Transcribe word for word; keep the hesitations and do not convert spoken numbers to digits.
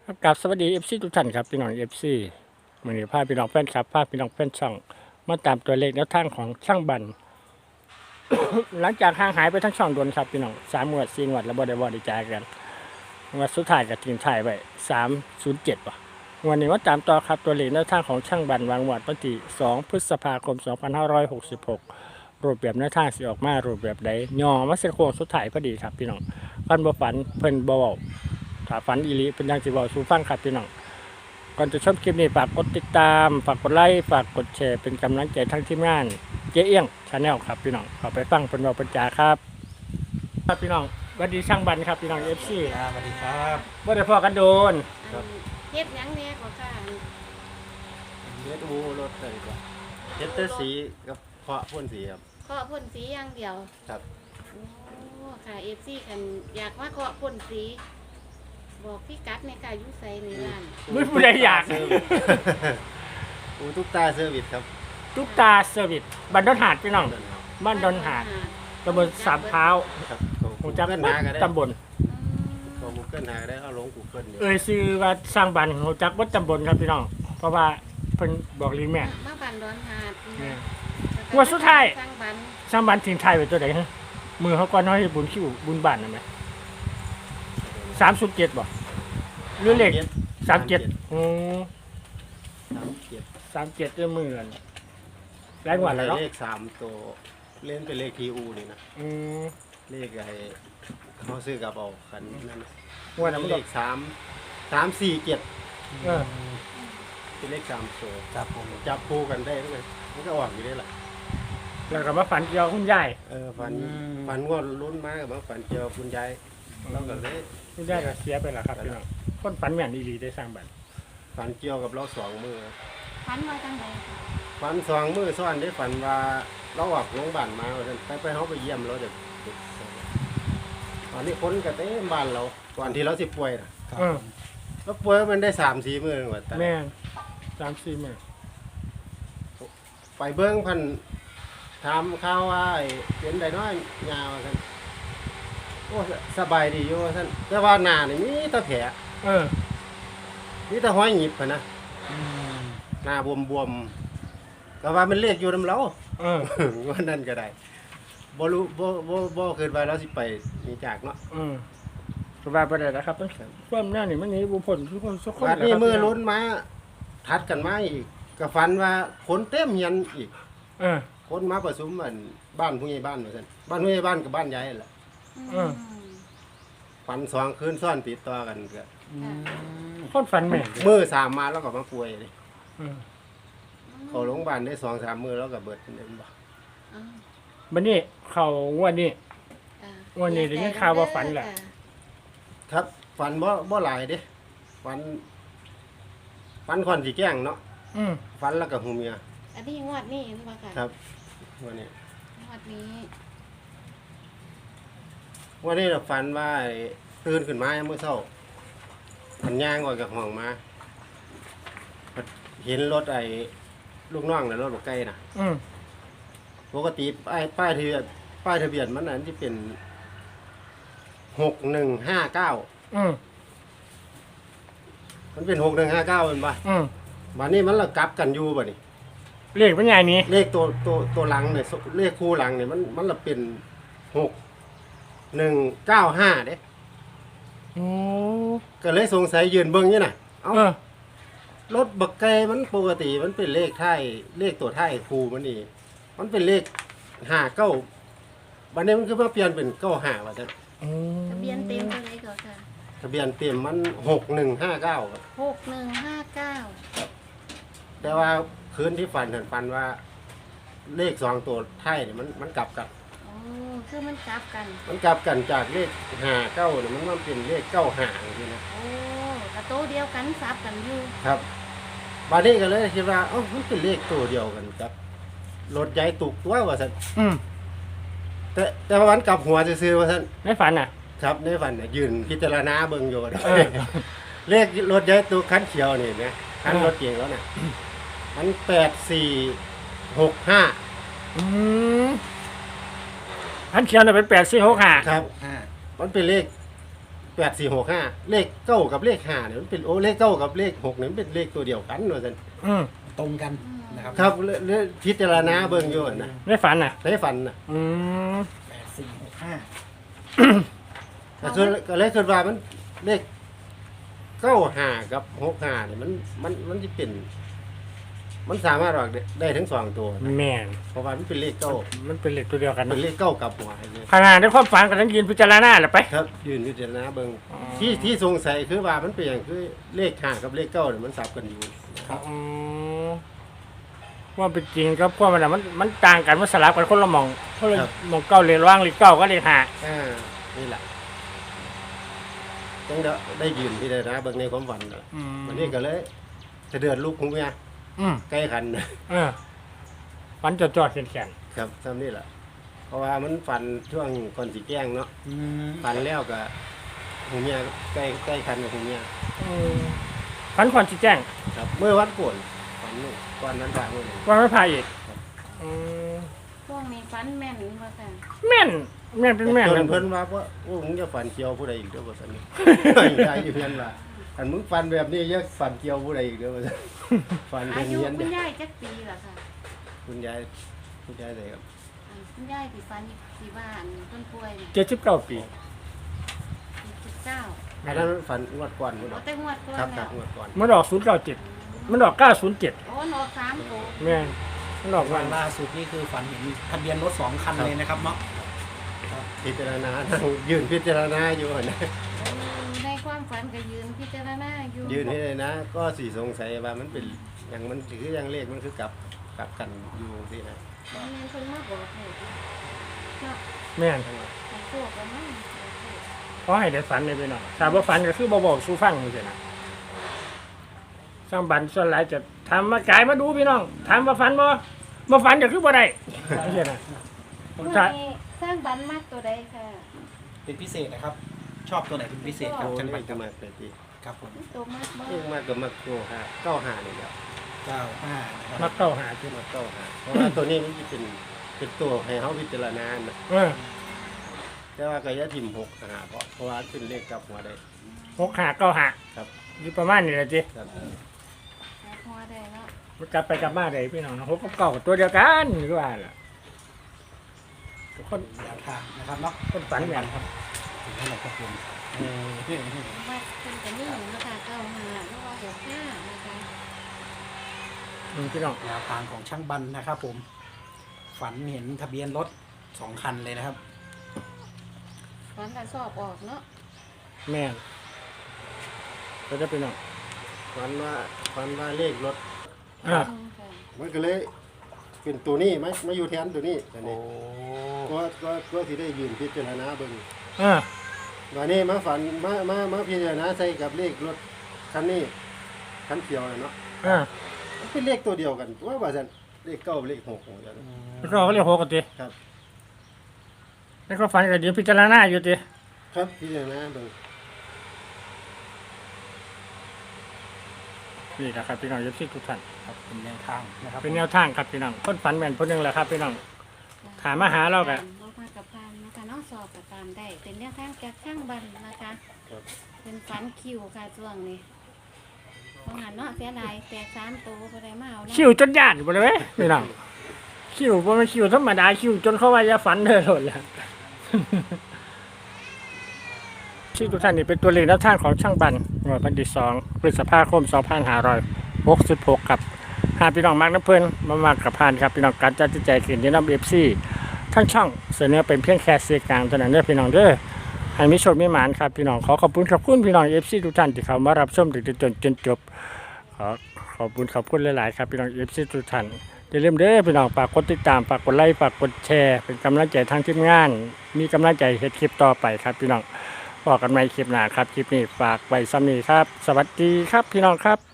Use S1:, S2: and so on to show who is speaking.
S1: กับสวัสดีเอฟซีทุกท่านครับพี่น้องเอฟซีวันนี้พาพี่น้องแฟนคลับพาพี่น้องแฟนช่องมาตามตัวเลขแนวทางของช่างบัน หลังจากห่างหายไปทั้งช่องโดนครับพี่น้องสามงวดสี่งวดแล้วบ่ได้บ่ได้จ่ายกันงวดสุดท้ายกับทีมไทยไปสามศูนย์เจ็ดป่ะวันนี้ว่าตามต่อครับตัวเลขแนวทางของช่างบันวางงวดวันที่สองพฤษภาคมสองพันห้าร้อยหกสิบหกรูปแบบแนวทางสิออกมารูปแบบใดย่อมาเส้นโค้งสุดท้ายพอดีครับพี่น้องฟันบ่ฝันเพิ่นบ่เว้าถ้าฝันอีหลีเป็นยังสิบอกสู่ฟังครับพี่น้องก่อนจะชมคลิปนี้ฝากกดติดตามฝากกดไลค์ฝากกดแชร์เป็นกำลังใจทั้งทีมงานเจ๊เอี้ยงชาแนลครับพี่น้องขอไปฟังเป็นเราปัญจาครับครับพี่น้องสวัสดีช่างบันครับพี่น้องเอฟซี
S2: ครับสวัสดีครับ
S1: ว่าได้พอกันโดน
S2: ครับ
S3: เฮ็ดหยังแหน่ก็ค่ะ
S2: เฮ็ดอูรถเลยก่อนเฮ็ดแต่สีกับเพาะพ่นสีครับ
S3: เคาะพ่นสีอย่างเดียว
S2: ครับ
S3: โอ้ค่ะ เอฟซีคันอยากมาเคาะพ่นสี บอกพี่กัดในค่ะอยู่ไสในร้าน
S1: ไม่ผู้ใดอยาก
S2: อูทุกตาเซอร์วิสครับ
S1: ตุ๊กตาเซอร์วิสบ้านดอนหาดพี่น้องบ้านดอนหาดตำบลสามเท้า
S2: ครับ
S1: หูจัก
S2: เกิลหาก็ได้
S1: ตำบล
S2: เขากูเกิลหาก็ได้เอาลงกูเกิลเนี่ย
S1: เอ่ยซื้อว่าสร้างบันหูจักวัดตำบลครับพี่น้องเพราะว่าเพิ่นบอกลีแม่
S3: มาบันดอนหาด
S1: แม่ งวดสุดท้าย
S3: สร้างบัน
S1: สร้างบันทิ้งไทายไว้ตัวไหนฮะมือเขาก่อนน้อยบุญคิวบุญบ้านนะไหมสามสุดเจ็ดบ่หรือเลขสามเจ็ดอืม
S2: สามเจ็ด
S1: สามเจ็ดด้วยมือกันแรงกว่าแล้วเนาะ
S2: เลขสามตัวเล่นเป็นเลขทีอูนี่นะ
S1: อืม
S2: เลขไอ้เขาซื้อกับเอาคันนั่นน่ะ
S1: งวดนั้นมัน
S2: เล
S1: ก็
S2: ขสามสามสี่เจ็ด
S1: เออ
S2: เป็นเลขสามตัว
S4: ครับผม
S2: จับคู่กันได้ไหมมันก็ออกอยู่ได้แหละ
S1: แล้วก็มาฝันเกี่ยวคุณยาย
S2: เออฝันฝันว่าลุ้นมากกับว่าฝันเจอคุณยายเราก็เลย
S1: คุณยายก็เสียไปแล้วครับพี่น้องคนฝันแม่นอีหลีได้สร้างบัน
S2: ฝันเกี่ยวกับเราสองมือ
S3: พันว่าจังไดค่ะ
S2: ฝันสองมือซ้อนได้ฝันว่าเราออกโรงพยาบาลมาว่าซั่นไปไปเขาไปเยี่ยมเราเด็กตอนนี้คนก็เต็มบ้านเราก่อนที่เราสิป่วยนะ
S1: เออ
S2: เราป่วยมันได้สามสี่มือหมดแต่
S1: แม่นสามสี่มื้อ
S2: ไปเบิ้งพันถามข่าวว่าไอ้เป็นไดน้อยยาวท่าซั่นโอ้สบายดีอยู่ว่าท่านแต่ว่าหน้านี่มีแต่แผล
S1: เออ
S2: มีแต่ห้อยหยิบพะนะ
S4: อืม
S2: หน้าบวมๆก็ว่ามันเลขอยู่นำเรา
S1: เออ
S2: ว่านั่นก็ได้บ่รู้บ่บ่บ่เกินไปแล้วสิไปนี่จากเนาะ
S1: เออสบายไปเลยนะครับต้องความแน่นี่มันหนี่บุพลทุกคนทุกคน
S2: บัดนี้มือลุ้นมาทัดกันมาอีกก็ฝันว่าคนเต็มเฮียนอีก
S1: เออ
S2: คนมาประชุมอันบ้านผู้ใหญ่บ้านว่าซั่นบ้านผู้ใหญ่บ้านกับบ้านยายนั่นแหละ
S1: เออ
S2: ฝันสองคืนซ้อนติดต่อกันก็
S4: อืม
S1: คนฝันแม่น
S2: มือสามมาแล้วก็มาป่วยเลย
S1: เออ
S2: เข้าโรงพยาบาลได้สองสามมื้อแล้วก็เบิดเด้บ่
S3: อ้าว
S1: บัดนี้เขางวดนี้
S3: อ่า
S1: วันนี้ได้ยินข่าวว่าฝันแหละ
S2: ครับฝันบ่บ่หลายเด้ฝันฝันค่อนสิแกล้งเนาะ
S1: อืม
S2: ฝันแล้วก็หูเมีย
S3: อันนี้งวดนี้เห็นบ่ค่ะ
S2: ครับวันนี้
S3: งวดนี้
S2: วันนี้เราฝันว่าไอ้ตื่นขึ้นมาเมื่อเช้าขันย่างออกจากห้องมา เห็นรถไอ้ลูกน้องน่ะรถบักไก่น่ะ
S1: อืม
S2: ปกติป้ายป้ายทะเบียนป้ายทะเบียนมันนั้นที่เป็นหกหนึ่งห้าเก้า
S1: อืม
S2: มันเป็นหกหนึ่งห้าเก้าเป็นปะ
S1: อืม
S2: วันนี้มันละกลับกันอยู่บ่นี่
S1: เลขเป็นไงนี้
S2: เลขตัวตัวตัวหลังเนี่ยเลขคู่หลังเนี่ยมันมันละเป็นหกหนึ่งเก้าห้าเด้
S1: โอ้
S2: ก็เลยสงสัยยืนเบิ้งนี่น่ะเอ้า
S1: เออ
S2: รถบักไก่มันปกติมันเป็นเลขท้ายเลขตัวท้ายครูมันนี่มันเป็นเลขห้าเก้าบัดนี้มันคือมาเปลี่ยนเป็นเก้าห้าว่าจะ
S3: ทะเบียนเต็มเท่าไหร่ก็ค่ะ
S2: ทะเบียนเต็มมันหกหนึ่งห้าเก้า
S3: หกหนึ่งห้าเก้า
S2: แต่ว่าคืนที่ฝันเห็นฝันว่า เลขสองตัวท้ายเนี่ยมันมันกลับกัน
S3: โอ้คือมันกลับกัน
S2: มันกลับกันจากเลขห้าเก้าเนี่ยมันมาเป็นเลขเก้าห้าอย่างนี้นะ
S3: โอ้กระโตเดียวกันซับกันอยู่
S2: ครับบัดนี้ก็เลยคิดว่าเอ้ามันเป็นเลขตัวเดียวกันครับรถใหญ่ตุกตัวว่าสัน
S1: อืม
S2: แต่แต่ว่ามันกลับหัวซื่อๆว่าสัน
S1: ในฝันอ่ะ
S2: ครับในฝันน่ะยืนพิจารณาเบิ่งอยู่
S1: เออ
S2: เลขรถใหญ่ตัวคันเขียวนี่นะคันรถเก๋งแล้วน่ะมันแปดสี่หกห้า
S1: อืมอันเขียนน่ะเป็นแปดสี่หกห้า
S2: ครับ
S4: ห้า
S2: มันเป็นเลขแแปดสี่หกห้าเลขเก้ากับเลขห้าเนี่ยมันเป็นโอ้เลขเก้ากับเลขหกเนี่ยมันเป็นเลขตัวเดียวกันว่าซั่น
S1: อืม
S4: ตรงกันนะครับ
S2: ครับเลเลพิจารณาเบิ่งอยู่นะ
S1: ได้ฝันน่ะ
S2: ได้ฝันน่ะ
S1: อืม
S4: แปดสี่หกห้า
S2: แต่ส่วนก็เลยคิดว่ามันเลขเก้าห้ากับหกห้าเนี่ยมันมันมันสิเป็น มันสามารถออกได้ได้ทั้งสองตัวนะ
S1: แม่น
S2: เพราะว่ามันเป็นเลขเก้า
S1: มันเป็นเหล็กตัวเดียวกัน
S2: เป็
S1: นะ
S2: นเลขเก้ากับหัวเลย
S1: ขนาดในความฝันก็ต้องยืนพิจารณาแหละไป
S2: ครับยืนพิจารณาเบิ่ง
S1: อ๋อ
S2: ที่ที่สงสัยคือว่ามันเป็นอย่างคือเลขห้ากับเลขเก้าเนี่ยมันสับกันอยู่
S1: อืมว่าเป็นจริงครับเพราะมันน่ะมันมันต่างกันมันสลับกันคนละหมองคนละหมองเก้าเลยร่างเลยเก้าก็เลยหา
S2: อ่านี่แหละจังได้ได้ยืนพิจารณาเบิ่งในความฝันน่ะ
S1: อืม
S2: วันนี้ก็เลยจะเดือดลูกของเมีย
S1: อืม
S2: ใกล้คันนะ
S1: เออฝันจอดจอดๆแข็ง
S2: ครับทำนี่แหละเพราะว่ามันฝันช่วงก่อนสีแกล้งเนาะ
S4: อืม
S2: ฝันแล้วก็หูเมียใกล้ใกล้คันกับหูเมีย
S1: ๆอืมฝันก่อนชี้แจ้ง
S2: ครับ เมื่อวันก่อนฝันนู่นก่อนนั้นฝากเมื่อไหร่
S1: ว่าไม่พาอีกอืม
S3: ช่วงนี้ฟันแม่นว่าค่ะ
S1: แม่นแม่นเป็นแม่น
S2: จ
S1: เลย
S2: นเพิ่นว่าว่าโอ้มึงจะฝันเกี่ยวผู้ใดอีกเด้อบ่ซั่นนี่ ได้อยู่เพิ่นว่าอันมึงฝันแบบนี้อย่าฝันเกี่ยวผู้ใดอีกเด้อบ่ซั่นฝัน
S3: อา
S2: เป็น
S3: ยุ
S2: เฮียน
S3: คุ
S2: เด้
S3: ณ
S2: อ
S3: ยายจักปีเหรอค่ะ
S2: คุณยายคุณยายได้ครับ
S3: อ่าคุณยายที่ฟันที่บ้านต้นป่วยเนี่ย
S1: เจ็ดสิบเก้าปี
S3: สิบเก้า
S2: อันนั้นฝันงวดก่อนพุ่น
S3: เอา
S2: เนาะ
S3: แต่งวดก่อน
S2: ครับค
S3: แล้
S2: รับ
S3: ว
S2: งวดก่อน
S1: มันออกศูนย์เก้าเจ็ดมันออกเก้าศูนย์เจ็ด
S3: โอ้หนอกสามโต
S1: แม่นมันออก
S4: วั
S1: วัน
S4: นล่าสุดนี่คือฝันเห็นทะเบียนรถสองคันเลยนะครับเนาะ
S2: พิจารณานั่งยืนพิจารณาอยู่นะ
S3: ในความฝันก็ยืนพิจารณาอยู่
S2: ยืนให้เลยนะ ก็สิสงสัยว่ามันเป็นอย่างมันคืออย่างเลขมันคือกลับกลับกันอยู่สินะ
S3: มันเป็นคนมาบอกเหตุเนาะ
S1: แม่น
S3: ให้โชคกันมั้ง
S1: เพราะให้ได้ฝันเลยไปหน่อยถ้าบ่ฝันก็คือบ่บอกสู้ฟังนี่สินะสร้างบันส่วนหลายจะทำมากายมาดูพี่น้องถามว่าฝันบ่บ่ฝันก็คือบ่ได้นี่สินะผม
S3: เมื่อ
S1: จะ
S3: นี้สร้างบันมากตัวใดค่ะ
S4: เป็นพิเศษนะครับ ชอบตัวไหนเป็นพิเศษครับ
S2: โอ้
S4: จังหวั
S2: นี่
S4: ด
S2: ก็มาไปที
S4: ครับผม
S3: ตัวมากบ่
S2: เลขมากก็มากโก้ห้าเก้าห้านี่แหละ
S4: เก้าห้านะค
S1: มั
S4: รับ
S1: กเก้าหาที่
S2: มาเก้าห้าเพราะว่าตัวนี้มันจะเป็นเป็นตัวให้เขาพิจารณานะ
S1: เออ
S2: แต่ว่าก็อย่าทิ่มหกหาเพราะเพราะว่าเป็นเลขกลับหัวได้
S1: หกหาเก้าหา
S2: ครับ
S1: อยู่ประมาณนี้แหละจิ
S2: ครับ
S3: หาพอได้เนาะ
S1: มันกลับไปกลับมาได้พี่น้องนะหกกับเก้าก็ตัวเดียวกันคือว่าล่ะทุกคน
S4: แนวทางนะครับเนาะ
S1: คนฝันแม่น
S4: ครับถึงเท่าไหร่ครับผมเออ
S3: วัดเป็นกันนี่นะคะเก้าห้าแล้วก็หกห้านะคะ
S1: อืมพี่น้อง
S4: แนวทางของช่างบันนะครับผม ฝันเห็นทะเบียนรถสองคันเลยนะครับ
S3: ฝันแต่สอบออกเนาะ
S1: แม่นก็จะพี่น้อง
S2: ฟันว่าฟันว่าเลขรถ
S1: อ่า
S3: อืมค่ะ
S2: มันก็เลยเป็นตัวนี้ไหมมาอยู่แทนตัวนี้อัน
S4: โอ้
S2: นี้ก็ก็ก็สิได้ยืนพิจารณาเบิ่ง
S1: อ่า
S2: วันนี้มาฝันมามามาพิจารณาใส่กับเลขรถคันนี้คันเขียวน่ะเนาะ
S1: อ่า
S2: มันเป็นเลขตัวเดียวกันว่าว่าซั่นเลขเก้าเลขหกว่าซั่น
S1: แล้วก็เขาเรียกหกกันติ
S2: ครับ
S1: แล้วก็ฝันก็เดี๋ยวพิจารณาอยู่ติ
S2: ครับพิจารณาเบิ่ง
S1: นี่นะครับพี่น้องยศที่ทุกท่าน
S4: ครับเป็นแนวทางนะครับ
S1: เป็นแนวทางครับพี่น้องคนฝันแม่นคนหนึงแหละครับพี่น้อง ถามมาหาเรากะ
S3: เรามากับพานนะคะน้องสอบกับตามได้ เป็นเรื่องทางจากช่างบันนะคะ
S2: ครับ
S3: เป็นฝันคิวค่ะช่วงนี้ต้องหันเนาะเสียดายแตกสามตัวไปได้มาเอาเนาะ
S1: คิวจนญาติบ่เลยเว้ยพี่น้องคิวบ่แม่นคิวธรรมดาคิวจนเขาว่าอย่าฝันเด้อโลดแล้ว ที่ทุกท่านนี่เป็นตัวเลขแนวทางของช่างบันงวดวันที่สองพฤษภาคมสองพันห้าร้อยหกสิบหกครับหากพี่น้องมักน้ำเพิ่นมามากกับพานครับพี่น้องการจัดใจขึ้นที่น้ำเอฟซีทั้งช่องเสนอเป็นเพียงแค่เสียงกลางเท่านั้นเด้อพี่น้องเด้อให้มีโชคมีหมานครับพี่น้องขอขอบคุณขอบคุณพี่น้องเอฟซีทุกท่านที่เข้ามารับชมถึงจนจนจบขอขอบคุณขอบคุณหลายๆครับพี่น้องเอฟซีทุกท่านอย่าลืมเด้อพี่น้องฝากกดติดตามฝากกดไลค์ฝากกดแชร์เป็นกำลังใจทางทีมงาน มีกำลังใจเฮ็ดคลิปต่อไปครับพี่น้องบอกกันใหม่คลิปหน้าครับคลิปนี้ฝากไว้ซ้ำนี้ครับ สวัสดีครับพี่น้องครับ